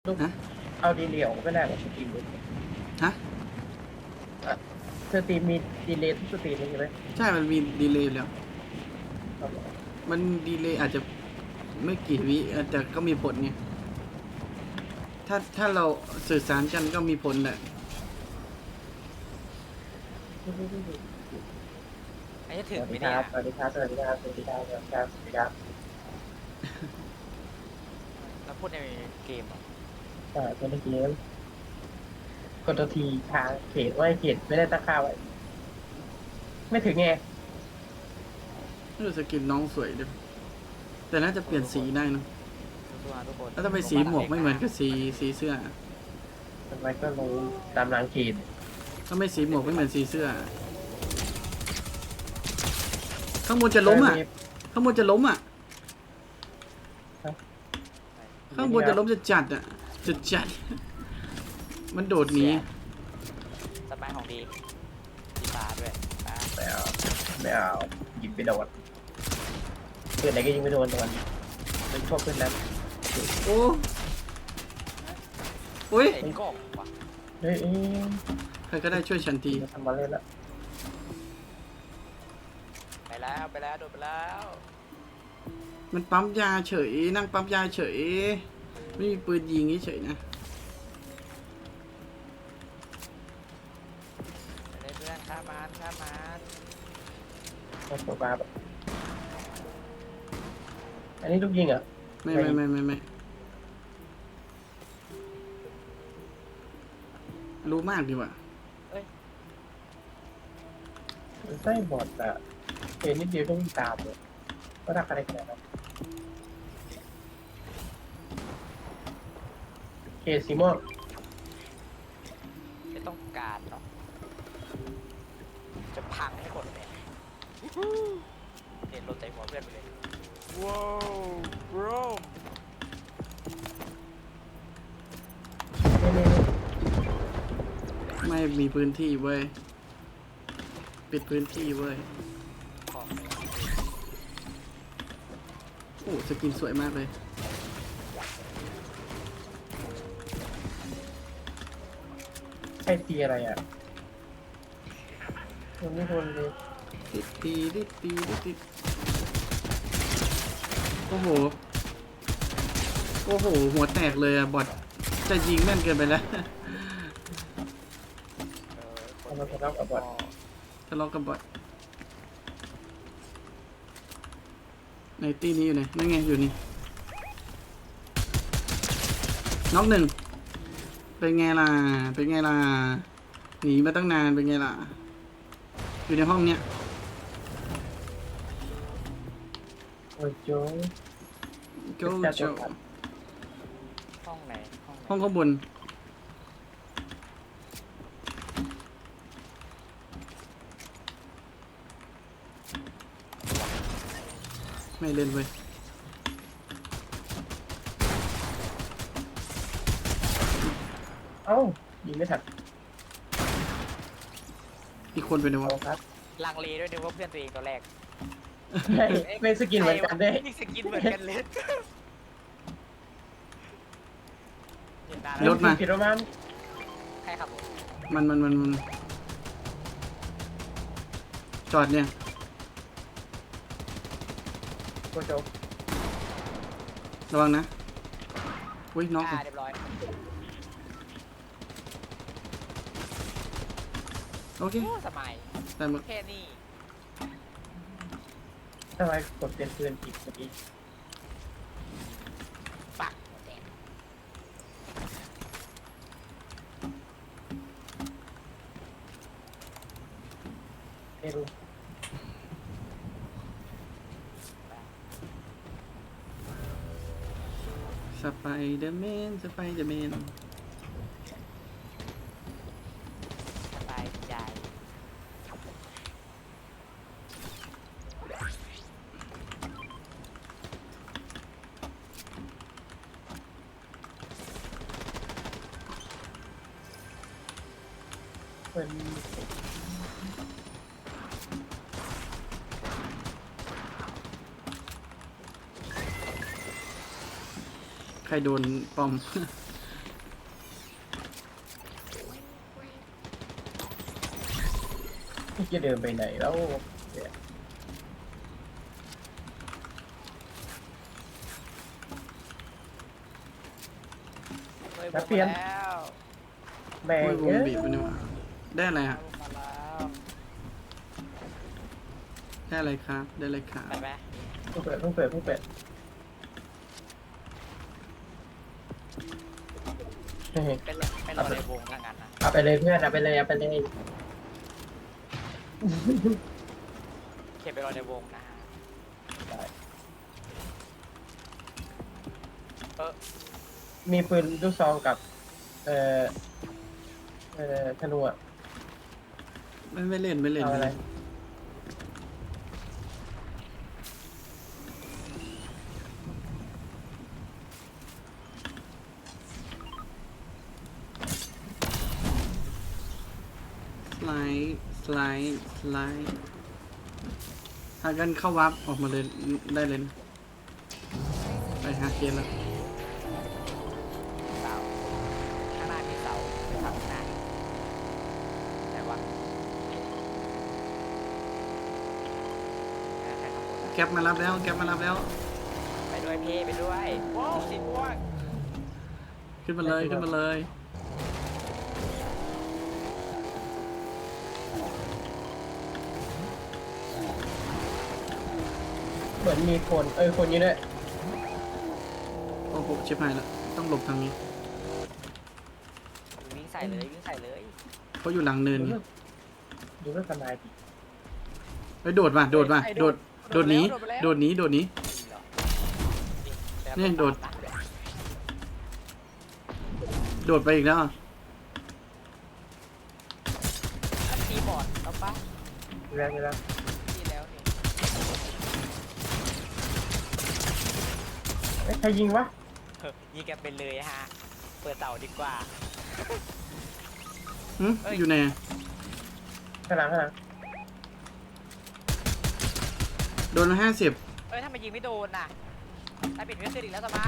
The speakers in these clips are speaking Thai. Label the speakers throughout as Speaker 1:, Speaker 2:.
Speaker 1: ลูก
Speaker 2: ฮะ
Speaker 1: เอาดีเลย์ออกไม่ได้หรอสตรีมดู
Speaker 2: ฮะ
Speaker 1: สตรีมมีดีเลย์ทุกสตรีมเลยใช่ไหม
Speaker 2: ใช่มันมีดีเลย์อยู่แล้ว
Speaker 1: ครับ
Speaker 2: มันดีเลย์อาจจะไม่กี่วิแต่ก็มีผลไงถ้าเราสื่อสารกันก็มีผลแหละ
Speaker 3: ไอ้จะ
Speaker 1: สวัสดี
Speaker 3: ถึงไหมเนี่ย
Speaker 1: ครับสวัสดีครับสวัสดีครับสวัสดีครับสวัสดีครับสวัสดีครับ
Speaker 3: เราพูดในเกมเหรอ
Speaker 1: ตัวเมื่อกี้กดตัวทีทางเขตว่าเขตไม่ได้ตั้งค่าไว้ไม่ถึงไง
Speaker 2: สกินน้องสวยด้วยแต่น่าจะเปลี่ยนสีได้นะ
Speaker 3: สู้ๆทุกคน
Speaker 2: แล้วทำไมสีหมวกไม่เหมือนกับสีเสื้อ
Speaker 1: ทำไมก็รู้ตามรางเขต
Speaker 2: ทำไมสีหมวกไม่เหมือนสีเสื้อข้างบนจะล้มอ่ะข้างบนจะล้มอ่ะข้างบนจะล้มจะจัดอ่ะจะจัดมันโดดหนี
Speaker 3: สบายของดีดีฟ้าด้วยฟ้า
Speaker 1: ไม่เอาไม่เอายิงไปโดนเพื่อนไหนก็ยิงไม่โดนโดนเป็นพวกเพื่อนนั้น
Speaker 2: โอ้โอ้ย
Speaker 3: ไอ้กบว่ะ
Speaker 1: เฮ้ย
Speaker 2: ใครก็ได้ช่วยฉันที
Speaker 1: ทำมาเล่นละ
Speaker 3: ไปแล้วโดนไปแล้ว
Speaker 2: มันปั๊มยาเฉยนั่งปั๊มยาเฉยไม่มีปืนยิงเฉยนะ
Speaker 3: ไปเลยเพื่อนข้ามมัน
Speaker 1: โอ้โหบ้าแบบอันนี้ลูกยิงอ่ะ
Speaker 2: ไม่รู้มากดีกว่า
Speaker 1: ไส้บอดอ่ะเห็นนิดเดียวก็วิ่งตามเลยก็รักอะไรขนาดนั้นเคซีม่วง
Speaker 3: ไม่ต้องการหรอกจะพังให้หมดเลยเห็นรถใจหัวเพื่อนไปเลยว้าวบร
Speaker 1: นี่
Speaker 2: ไม่มีพื้นที่เว้ยปิดพื้นที่เว้ย
Speaker 3: ของ
Speaker 2: โอ้สกินสวยมากเลย
Speaker 1: ใช่ตีอะไรอ่ะมันไม่ทนเลย
Speaker 2: ติดโอ้โหหัวแตกเลยอะบอทจะยิงแม่นเกินไปแล้ว
Speaker 1: ทำมาทะเลาะกับบอด
Speaker 2: ทะเลาะกับบอทในตีนี้อยู่ไหนนั่นไงอยู่นี่น็อกหนึ่งเป็นไงล่ะหนีมาตั้งนานเป็นไงล่ะอยู่ในห้องเนี้ย
Speaker 1: โอ้ยโจ้
Speaker 2: โจโจ
Speaker 3: ห้องไหน
Speaker 2: ห้องข้างบนไม่เล่นเว้ย
Speaker 1: เอ้ายิงไม่ทัน
Speaker 2: อีกคนเป็นไงวะ
Speaker 1: เอาครับ
Speaker 3: ลังเลด้วยนึกว่าเพื่อนตัวเองตัวแรก
Speaker 1: ไม่สกินเหมือนกันได้
Speaker 3: นี่สกินเหมือนกันเลย
Speaker 2: รถมา
Speaker 1: ผิดประมาณ
Speaker 3: ใครขับรถ
Speaker 2: มันจอดเนี่ย
Speaker 1: โกโจ
Speaker 2: ระวังนะอุ้ยน็อก
Speaker 3: เรียบร้อย
Speaker 2: โอเค
Speaker 3: สมัย
Speaker 2: แต่หมด
Speaker 3: แค่นี้
Speaker 1: ทำไมกดเปลี่ยนปืนผิดเมื่อกี้
Speaker 3: ปักแตก
Speaker 1: ไม่รู้
Speaker 2: สไปเดอร์แมน
Speaker 3: สบายใจ
Speaker 1: เป็น
Speaker 2: ใครโดนปอม
Speaker 1: จะเดินไปไหนแล้วเนี่ย
Speaker 3: เฮ้ยบุกมาแล้ว
Speaker 1: แม่
Speaker 2: โอ้
Speaker 1: ง
Speaker 2: ยวงบีบมันนี่หว่าได้อะไรฮะ
Speaker 3: บุกมาแล้ว
Speaker 2: ได้อะไรครับได้อะไรครับ
Speaker 3: ไปไหม
Speaker 1: เพิ่งเปิดเฮ้ย
Speaker 3: เป็นรอในวงทางนั้นนะ
Speaker 1: เอาไปเลยเพื่อนเอาไปเลย
Speaker 3: เข็นไปรอในวงนะฮะ
Speaker 1: มีปืนลูกซองกับ ธนูอะ
Speaker 2: ไม่เล่นไม่เล่น
Speaker 1: เอาอะไร
Speaker 2: สไลด์หากันเข้าวับออกมาเลยได้เลยนะไปหาเกมแล้ว
Speaker 3: เสาข้างหน้ามีเสาข้างหน้าไหนวะใครขับรถอะ
Speaker 2: แก๊ปมารับแล้ว
Speaker 3: ไปด้วยพี่ไปด้วยว้าวสีม่วง
Speaker 2: ขึ้นมาเลย
Speaker 1: เหมือนมีคนคนนี้ด้วย
Speaker 2: โอ้โหชิบหายแล้วต้องหลบทางนี้
Speaker 3: วิ่งใส่เลยวิ่งใส่เลย
Speaker 2: เขาอยู่หลังเนินไง
Speaker 1: ดูเรื่องสบายดี
Speaker 2: ไปโดดโดดหนี
Speaker 3: นี่เหรอ
Speaker 2: เนี่ยโดด โดดไปอีกแล้วอ่ะ
Speaker 3: ตีบอร์ดเอาปะ
Speaker 1: แรงเลยนะ
Speaker 3: ตีแล้วนี่
Speaker 1: ใครยิงวะ
Speaker 3: ยิงกันไปเลยฮะเปิดเต่าดีกว่า
Speaker 2: อยู่ไหนอะ
Speaker 1: ข้างหลัง
Speaker 2: โดนละ50
Speaker 3: เอ้ยถ้ามันยิงไม่โดนน่ะถ้าปิดไม่ขึ้นอีกแล้วสบาย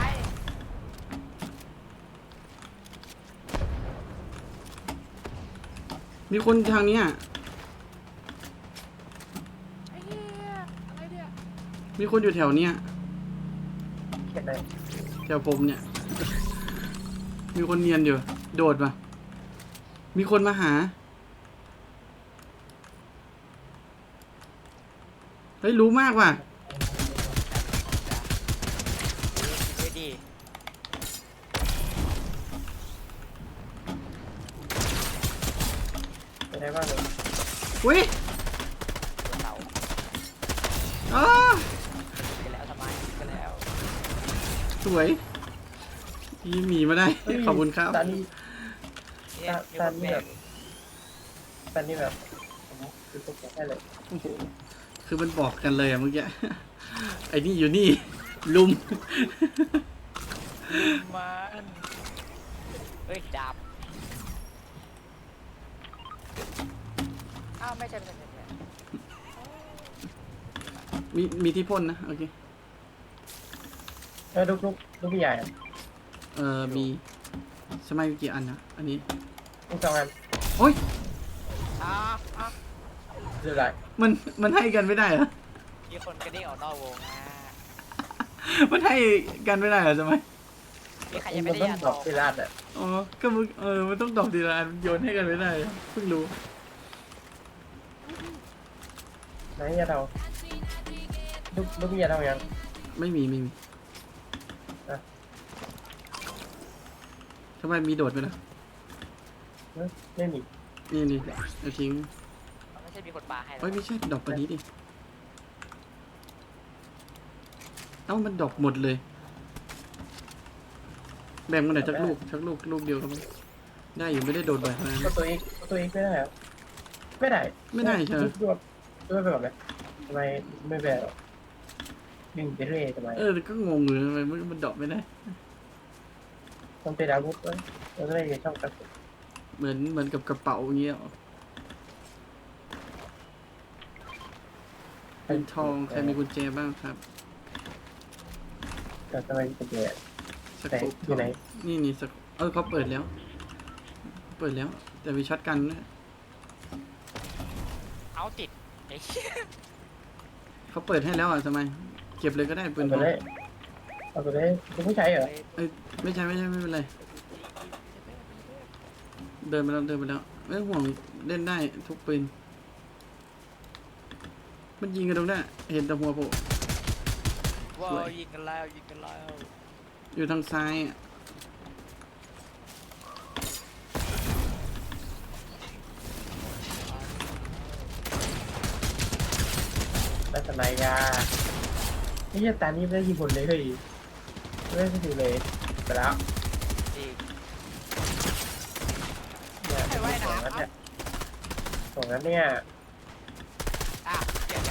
Speaker 2: มีคนทางเนี้ย
Speaker 3: ไอ้เหี้ยอะไรเนี่ย
Speaker 2: มีคนอยู่แถวเนี้ย
Speaker 1: เขียนเลย
Speaker 2: แถวผมเนี่ย มีคนเนียนอยู่ โดดปะมีคนมาหา เฮ้ยรู้มากว่ะ
Speaker 3: คิดไว้ดี
Speaker 1: เป็นไงบ้างเลย
Speaker 2: อุ้ย
Speaker 3: เต่า
Speaker 2: อ้า
Speaker 3: ไปแล้วสบายไปแล้ว
Speaker 2: สวยยีหมีมาได้ ขอบคุณครับ
Speaker 1: ตอนนี้
Speaker 3: เนี่ยมี
Speaker 1: ต
Speaker 3: ค
Speaker 1: อน
Speaker 3: น
Speaker 1: นี้
Speaker 3: แบ
Speaker 1: แบบ บตอนนี้แบบคือตกใจเลย
Speaker 2: โอ้โหคือมันบอกกันเลยอะเมื่อกี้ ไอ้นี่อยู่นี่ ลุม
Speaker 3: มันเฮ้ยดาบอ้าวไม่ใช่
Speaker 2: มีที่พ่นนะ โอเค
Speaker 1: ลูกพี่ใหญ่อะ
Speaker 2: มีสมัยกี่อันนะ อันนี้
Speaker 1: ลูกสองอัน
Speaker 2: โอ้ย
Speaker 3: อ้าวอ้าว
Speaker 1: หรือไร
Speaker 2: มันให้กันไม่ได้เหรอ
Speaker 3: มีคนกระเด้งออกนอกวงนะ
Speaker 2: มันให้กันไม่ได้เหรอสมัย
Speaker 3: มีใครยังไม่
Speaker 1: มัน
Speaker 3: ได้
Speaker 1: ต้อง
Speaker 3: ยา
Speaker 1: ดอกเวลาอ่ะ
Speaker 2: อ๋อ ก็มึงมันต้องดอกทีละอันโยนให้กันไม่ได้เหรอเพิ่งรู้
Speaker 1: ไหนยาเราลูกพี่ใหญ่เรายัง
Speaker 2: ไม่มี
Speaker 1: อ่ะ
Speaker 2: ทำไมมีโดดไปล่ะ
Speaker 1: ไม่มี
Speaker 2: นี่เอาทิ้ง
Speaker 3: ไม่ใช่มีคนปาให้หรอ
Speaker 2: เฮ้ยไม่ใช่ดอกปานนี้ดิ เอ้ามันดอกหมดเลย แบ่งมาหน่อยชักลูกเดียวครับได้อยู่ไม่ได้โดดบ่อยขนาดนั้น
Speaker 1: ก็ตัวเองไม่ได้เหรอไม่ได้
Speaker 2: ไม่ได้ใช่ไหม
Speaker 1: ด้วยไปแบบไหนทำไมไม่แบบดึงไปเรื่อยทำไม
Speaker 2: ก็งงอยู่ทำไมมันดอกไม่ได้
Speaker 1: ต้องเป็นอาวุธด้วยเราจะได้ช่องกระสุน
Speaker 2: เหมือนกับกระเป๋าอย่างเงี้ยหรอเป็นทองใครมีกุญแจบ้างครับ
Speaker 1: แต่ทำไมเป็นแย่
Speaker 2: ส
Speaker 1: แต่
Speaker 2: กุป
Speaker 1: อยู่ไหน
Speaker 2: นี่สกุเขาเปิดแล้ว แต่มีช็อตกันนะ
Speaker 3: เอามาส์ติดไอ้เหี้ย
Speaker 2: เขาเปิดให้แล้วอ่ะทำไมเก็บเลยก็ได้ปืน
Speaker 1: เอา
Speaker 2: ท
Speaker 1: ไป
Speaker 2: อง
Speaker 1: เลยเอาไปเลยคุณผู้ชายเหรอ
Speaker 2: เอ้ยไม่ใช่ไม่เป็นไรเดินไปแล้วไม่ห่วงเล่นได้ทุกปืนมันยิงกันตรงนั้นเห็นแต่หัวโผล่
Speaker 3: ว้าวยิงกันแล้วยิงกันแล้ว
Speaker 2: อยู่ทางซ้ายอะ
Speaker 1: ลักษณะยานี่จะตานี้ไม่ได้ยิงผลเลยเฮ้ยไม่ได้ดูเลยไปแล้ว
Speaker 3: อีก
Speaker 1: เนี่ย
Speaker 3: ใครว่ายน้ำ
Speaker 1: ตรงนั้นเนี่ย
Speaker 3: อ่ะเดี๋ยว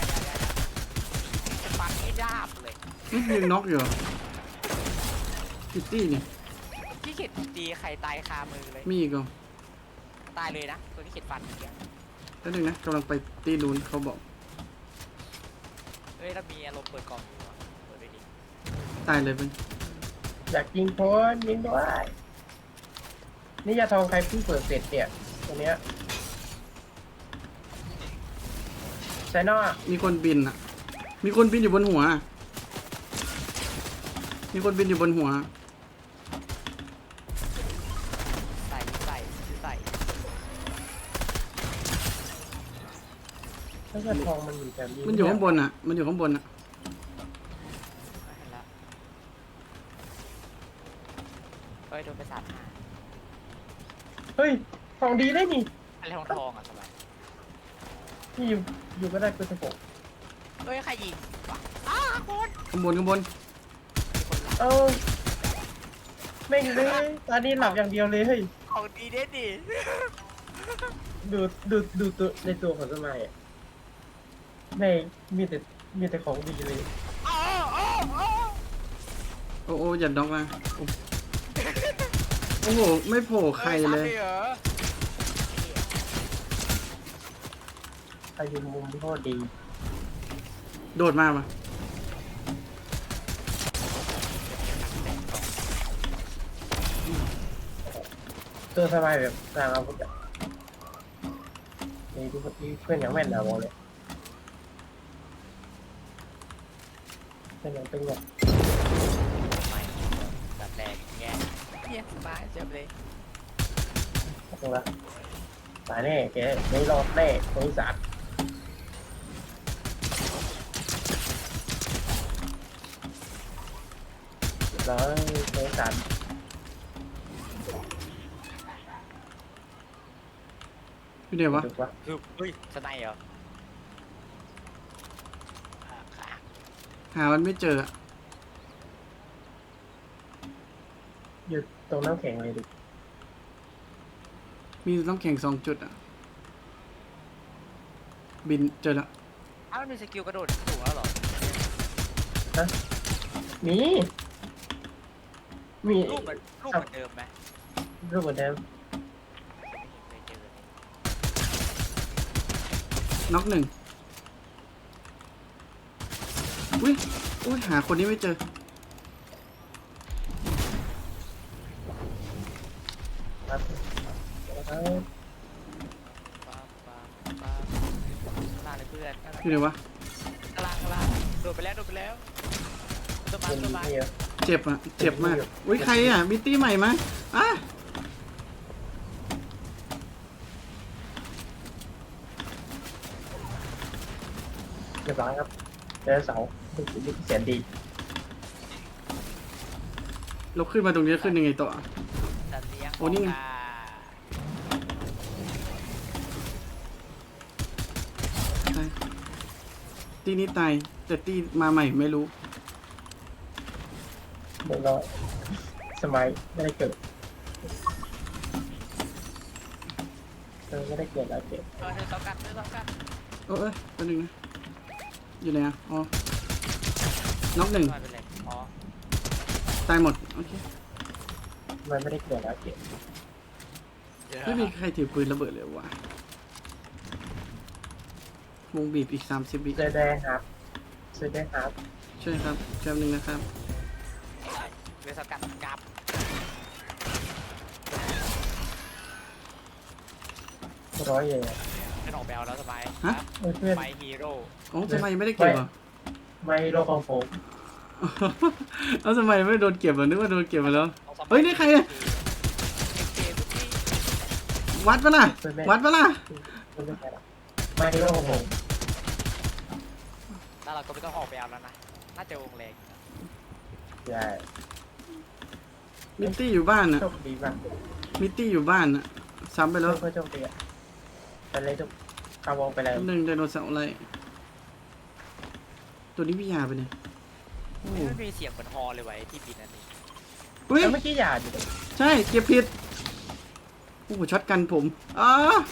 Speaker 3: จะปักให้ดาบเลย
Speaker 2: นี่ยิงน็อกอยู่เหรอคิตตี้นี่
Speaker 3: ที่เข็ดตีใครตายคามือเลย
Speaker 2: มีอีกเหรอ
Speaker 3: ตายเลยนะตัวที่เข็ดฟันเมื่อกี้
Speaker 2: แล้วนึงนะกำลังไปตีนูนเขาบอก
Speaker 3: เฮ้ยเรามีอารมณ์เปิดกล่องอยู่อะเปิดไปดิ
Speaker 2: ตายเลยเป็น
Speaker 1: อยากยิงคนยิงด้วยนี่ยาทองใครเพิ่งเปิดเสร็จเนี่ยตรงเนี้ยใช่นอก
Speaker 2: มีคนบินอ่ะมีคนบินอยู่บนหัวมีคนบินอยู่บนหัว
Speaker 3: ใส่
Speaker 1: ถ้ายาทองมันอยู่แบบนี้
Speaker 2: มันอยู่ข้างบนอ่ะมันอยู่ข้างบนอ่ะ
Speaker 3: ไม่เห็นละเฮ้ยโดนไป3 5
Speaker 1: เฮ้ยทองดีได้นี่
Speaker 3: อะไรทองอ่ะทำไม
Speaker 1: ที่อยู่ก็ได้เป็น16
Speaker 3: เฮ้ยใครยิงวะอ้าวคน
Speaker 2: ข้างบน
Speaker 3: มีคนละ
Speaker 1: เออแม่งเลยตอนนี้หลับอย่างเดียวเลยเฮ้ย
Speaker 3: ของดีเด็ดดิ
Speaker 1: ดูตัวในตัวของสมัยอ่ะแม่งมีแต่ของดีเลย
Speaker 3: อ้าวอ้าวอ้าว
Speaker 2: โอ้โอ้อย่าด็อกนะโอ้โหไม่โผล่ใครเลย
Speaker 3: หรอ
Speaker 1: ใครอยู่มุมโคตรดี
Speaker 2: โดดมาปะ
Speaker 1: ตัวสบายแบบสร้างอาวุธอ่ะนี่ทุกคนที่เพื่อนอย่างแม่นนะบอกเลยเพื่อนอย่างตึงแบบ
Speaker 3: ไม่แบบแรงแง่เยี่ยสบายเจ็บเลย
Speaker 1: ตรงละตายแน่แกไม่รอดแน่บริษัทแล้วบริษัท
Speaker 2: อยู่เดี๋ยววะ
Speaker 1: ถูกปะ
Speaker 3: คือเฮ้ยสไนเหรอขา
Speaker 2: หามันไม่เจออะ
Speaker 1: อยู่ตรงน้ำแข็งเลยดิ
Speaker 2: มีน้ำแข็ง2 จุดอ่ะบินเจอแล้ว
Speaker 3: อ้าวมันมีสกิลกระโดดสูงแล้วเหรอ
Speaker 1: มี
Speaker 3: รูปเหมือนเดิมไหม
Speaker 1: รูปเหมือนเดิม
Speaker 3: ไม่เจอเลย
Speaker 2: น็อก1อุ้ยหาคนนี้ไม่เจอ
Speaker 1: ครับ
Speaker 3: ป้าลาเลยเพื่อน
Speaker 2: อยู่ไหนวะ
Speaker 3: กลางโดดไปแล้วตัวมา
Speaker 1: เป็น
Speaker 3: ตัวมา
Speaker 1: เดียว
Speaker 2: เจ็บอ่ะเจ็บมากอุ้ยใครอ่ะมิตตี้ใหม่มาอ่ะ
Speaker 1: เรียบร้อยครับเจอเสาเป็นสิ่งที่แสนดี
Speaker 2: เราขึ้นมาตรงนี้ขึ้นยังไงต่อ
Speaker 3: สัตว์เลี้ยง
Speaker 2: โอ้นี่ไง ใช่ตีนี้ตายแต่ตีมาใหม่ไม่รู้
Speaker 1: เรียบร้อยสมัยไม่ได้เกิดไม่ได้เกิดแล้วเกิด
Speaker 3: เธอต้องกัน
Speaker 2: เอ้ยแป๊บนึงนะอยู่ไหนอ่ะอ๋อน็อก1
Speaker 3: ไม่เป็นไรอ๋อ
Speaker 2: ตายหมดโอเค
Speaker 1: มันไม่ได้เกิดแล้วเกิด
Speaker 2: ไม่มีใครถือปืนระเบิดเลยวะวงบีบอีก30 วิ
Speaker 1: เจอได้ครับเจอได้ครับ
Speaker 2: ช่วยครับแป๊บนึงนะครับ
Speaker 3: เรือสกัดกลับ
Speaker 1: ร้อยเยน
Speaker 3: พื่อนออกไปเอาแล้วสบาย
Speaker 2: ฮะ
Speaker 1: เพื่อน
Speaker 3: ไมฮีโร่
Speaker 2: โอ้ทำไมไม่ได้เก็บอ่ะ
Speaker 1: ไม่โลกของผม
Speaker 2: แล้วทำไมไม่โดนเก็บอ่ะนึกว่าโดนเก็บไปแล้ว เฮ้ยนี่ใครอะ วัดปะล่ะ วัดปะล่ะ
Speaker 1: ไม่โลกของผม
Speaker 3: แล้วเราก็ไม่ต้องออกไปเอาแล้วนะน่าจะวงแรง
Speaker 1: ใช่
Speaker 2: มิตตี้อยู่บ้านอ่ะ
Speaker 1: โชคดีมาก
Speaker 2: มิตตี้อยู่บ้านอ่ะ ซ้ำไปแล้ว
Speaker 1: เพื่อโชคดีอ่ะไปเลยทุกเข้าวงไปเลย
Speaker 2: หนึ่งไดโนเสาร์อะไร ตัวนี้พี่ยาไปเนี่ยโอ้โห
Speaker 3: มันมีเสียงเหมือนฮอเลยไว้ที่บินอันนี้
Speaker 2: เฮ้ย
Speaker 1: แล้วเมื่อกี้หยาดอยู่
Speaker 2: ใช่ เก็บผิด โอ้โหช็อตกันผมอ้า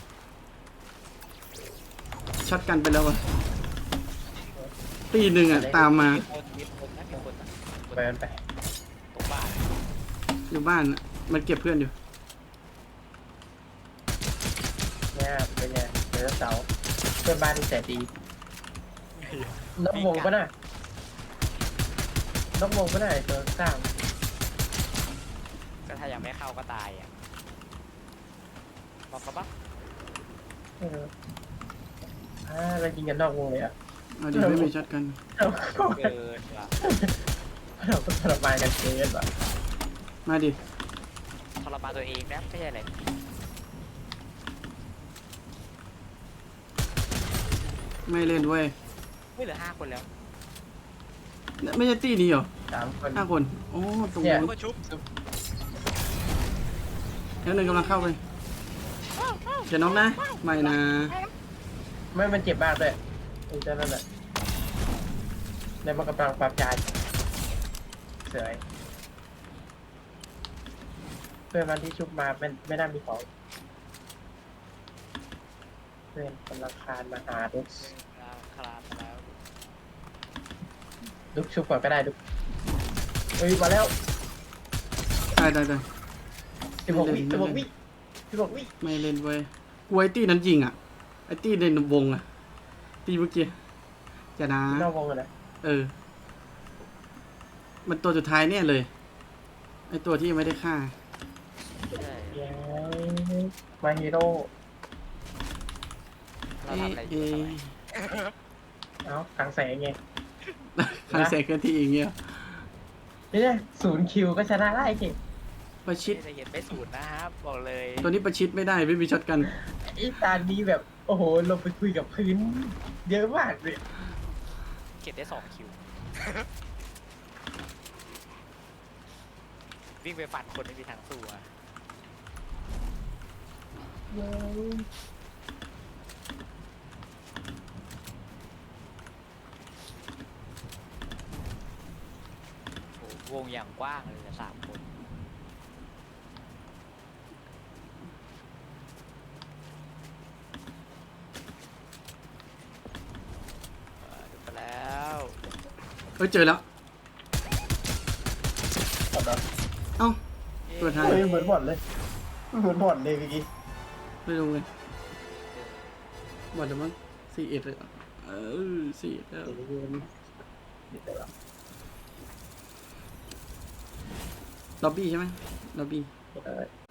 Speaker 2: ช็อตกันไปแล้วอ่ะ ตีหนึ่งอ่ะ ตามมา
Speaker 3: มีคนนะมีคนนะ
Speaker 1: ไปมันไป
Speaker 3: ตรงบ้าน
Speaker 2: อยู่บ้านอ่ะ มันเก็บเพื่อนอยู่
Speaker 1: เนี่ยเป็นไงเดี๋ยวเสาร์เพื่อนบ้านที่แสนดีนกวงปะน่ะนกวงปะน่ะไอ้ตัวสร้าง
Speaker 3: ก็ถ้ายังไม่เข้าก็ตายอ่ะบอกเขาปะ
Speaker 1: เรายิงกันนอกวงเลยอ่ะ
Speaker 2: เอาดีไม่มีช็อตกัน
Speaker 3: เกินว่ะ
Speaker 1: เราก็ทรมานกันเกินว่ะ
Speaker 2: มาดิ
Speaker 3: ทรมานตัวเองนะไม่ใช่อะไร
Speaker 2: ไม่เล่นเว้ย
Speaker 3: ไม่เหลือ5 คนแล้ว
Speaker 2: ไม่ใช่ตีนี้เหรอ
Speaker 1: 3 คน
Speaker 2: 5 คน โอ้ ตรง
Speaker 1: เนี่
Speaker 2: นู้
Speaker 1: ย
Speaker 2: น
Speaker 3: ก็ชุบ
Speaker 2: แล้วหนึ่งกำลังเข้าไปจะน้องนะ ไม่นะ
Speaker 1: ไม่มันเจ็บมากเลยไอ้เจ้านั่นแหละในมันกำลังปรับยาเสยเพื่อนมันที่ชุบมาเป็นไม่น่ามีของเพื่อนกำลังคานมาหาดุก
Speaker 3: คลาดแล้ว
Speaker 1: ดุกชุบก่อนก็ได้ดุกเฮ้ยมาแล้ว
Speaker 2: ได้
Speaker 1: 16 วิ16 วิ16 วิ
Speaker 2: ไม่เล่นเว้ยกูไอ้ตี้นั้นยิงอ่ะ ไอ้ตี้ในวงอ่ะ ตีเมื่อกี้จะนะ
Speaker 1: นอกวงเลยนะ
Speaker 2: เออ มันตัวสุดท้ายเนี่ยเลย ไอ้ตัวที่ยังไม่ได้ฆ่า
Speaker 3: ใช่
Speaker 1: เย้มาฮีโร่
Speaker 3: เราทำอะไรอยู่
Speaker 1: เอ้ากลางแสงไง
Speaker 2: คันแสงเคลื่อนที่อย่างเงี้ย
Speaker 1: เนี่ย0 คิวก็ชนะได้เก่ง
Speaker 2: ประชิด
Speaker 3: จะเห็นไม่สูตรนะครับบอกเลย
Speaker 2: ตัวนี้ประชิดไม่ได้ไม่มีช็อตกัน
Speaker 1: ไอ้ตานี้แบบโอ้โหลงไปคุยกับพื้นเยอะมากเลย
Speaker 3: เก็บได้2 คิว วิ่งไปฟันคนไม่มีทางสู้อะโอ้โหวงอย่างกว้างเลยนะ3 คนดูไปแล้ว
Speaker 2: เฮ้ยเจอแล้ว เอ้า ตัวท้าย
Speaker 1: เฮ้ยเหมือนบ่อนเลยเหมือนบ่อนเลยเมื่อกี้
Speaker 2: ไม่รู้เลยบอดเดี๋ยวมั้ง41เลยเออ41แล้วล็อบบี้ใช่ไหมล็อบบี้
Speaker 1: เออ